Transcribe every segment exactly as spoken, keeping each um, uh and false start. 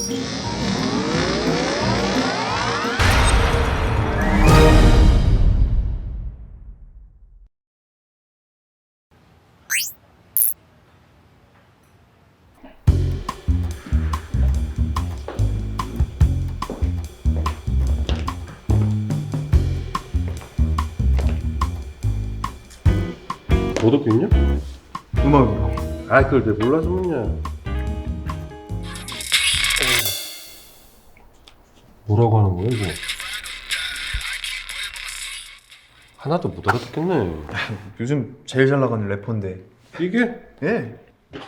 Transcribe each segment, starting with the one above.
너도 겠냐? 음악이요. 아, 그걸 내 몰라서 묻냐? 뭐라고 하는 거야, 이거? 하나도 못 알아듣겠네. 요즘 제일 잘 나가는 래퍼인데. 이게? 예.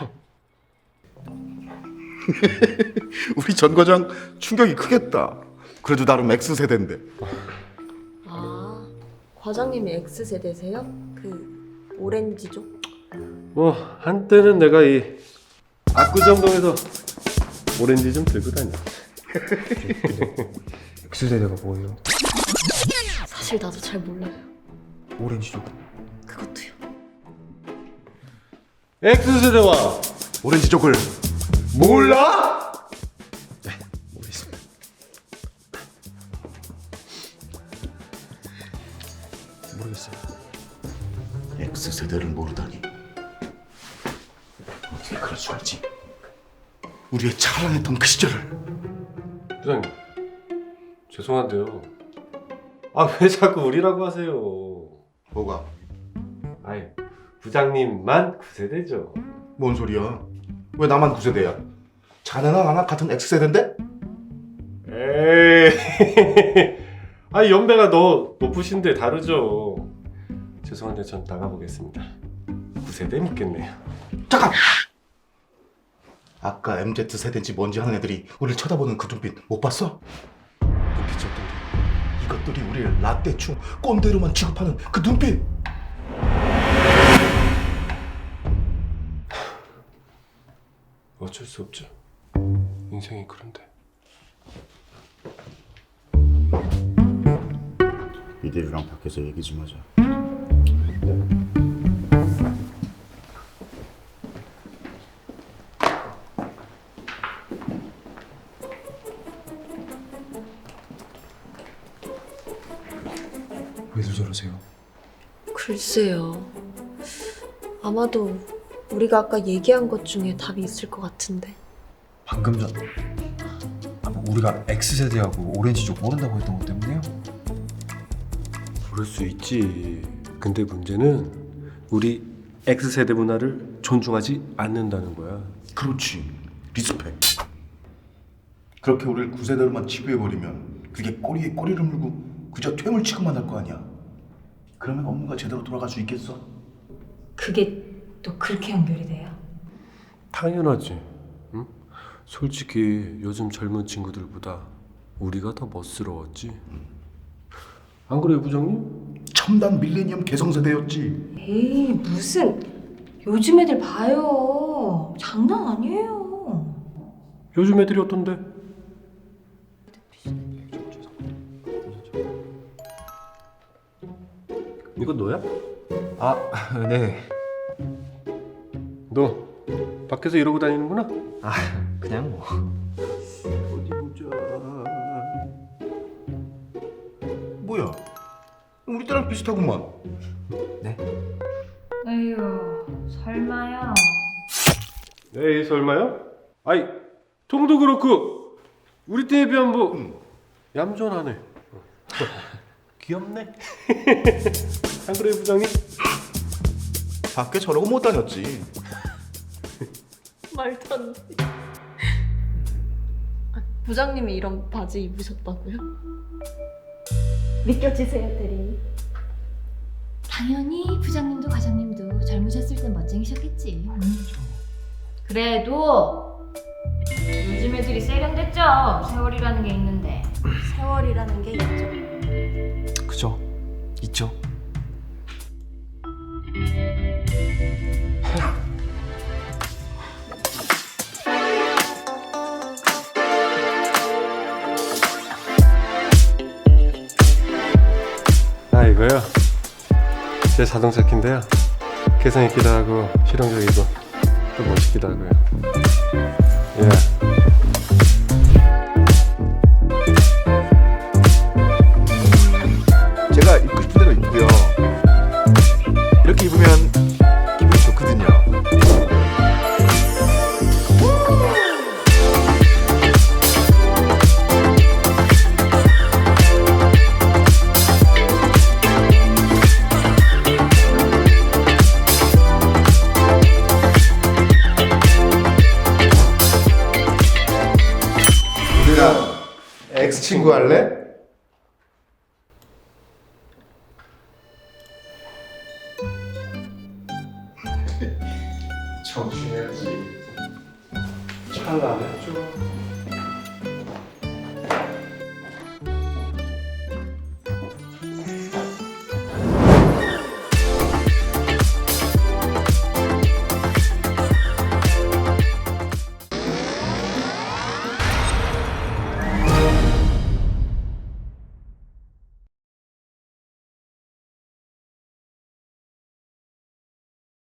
우리 전 과장 충격이 크겠다. 그래도 나름 X세대인데. 아, 과장님이 X세대세요? 그 오렌지족? 뭐 한때는 내가 이 압구정동에서 오렌지 좀 들고 다녀. X세대가 뭐예요? 사실 나도 잘 몰라요. 오렌지족. 그것도요. X세대와 오렌지족을 몰라? 네, 모르겠습니다. 모르겠어요. X세대를 모르다니. 어떻게 그럴 수가 있지? 우리의 찬란했던 그 시절을. 부장님, 죄송한데요. 아, 왜 자꾸 우리라고 하세요? 뭐가? 아이, 부장님만 구세대죠. 뭔 소리야? 왜 나만 구세대야? 자네나 나나 같은 X세대인데? 에이, 아, 연배가 너 높으신데 다르죠. 죄송한데 전 나가보겠습니다. 구세대 묻겠네요. 잠깐! 아까 엠지세대인지 뭔지 하는 애들이 우리를 쳐다보는 그 눈빛 못 봤어? 눈빛이 어떤데? 이것들이 우리를 라떼충 꼰대로만 취급하는 그 눈빛! 어쩔 수 없죠. 인생이 그런데. 이들이랑 밖에서 얘기 좀 하자. 왜들 저러세요? 글쎄요. 아마도 우리가 아까 얘기한 것 중에 답이 있을 것 같은데. 방금 전 아, 뭐 우리가 X세대하고 오렌지족 모른다고 했던 것 때문에요? 그럴 수 있지. 근데 문제는 우리 X세대 문화를 존중하지 않는다는 거야. 그렇지. 리스펙. 그렇게 우리를 구세대로만 치부해버리면 그게 꼬리에 꼬리를 물고 그저 퇴물 취급만 할 거 아니야. 그러면 업무가 제대로 돌아갈 수 있겠어? 그게 또 그렇게 연결이 돼요? 당연하지. 응? 솔직히 요즘 젊은 친구들보다 우리가 더 멋스러웠지. 안 그래요, 부장님? 첨단 밀레니엄 개성세대였지. 에이 무슨 요즘 애들 봐요. 장난 아니에요. 요즘 애들이 어떤데? 이거 너야? 아, 네. 너 밖에서 이러고 다니는구나? 아, 그냥 뭐. 어디 보자. 뭐야? 우리 때랑 비슷하구만. 네. 에휴 설마요. 에이, 설마요? 아이, 통도 그렇고 우리 때에 비하면 뭐 응. 얌전하네. 귀엽네. 안 그래요, 부장님? 밖에 저러고 못 다녔지. 말도 안 돼. 아, 부장님이 이런 바지 입으셨다고요? 믿겨지세요, 대리. 당연히 부장님도 과장님도 젊으셨을 땐 멋쟁이셨겠지. 음. 그래도 요즘 애들이 세련됐죠. 세월이라는 게 있는데. 세월이라는 게 있죠. 그죠? 있죠? 아, 이거요? 제 자동차 키인데요. 개성 있기도 하고 실용적이고 또 멋있기도 하고요. 예. X 친구 할래? 정신해야지. 잘 안 했죠.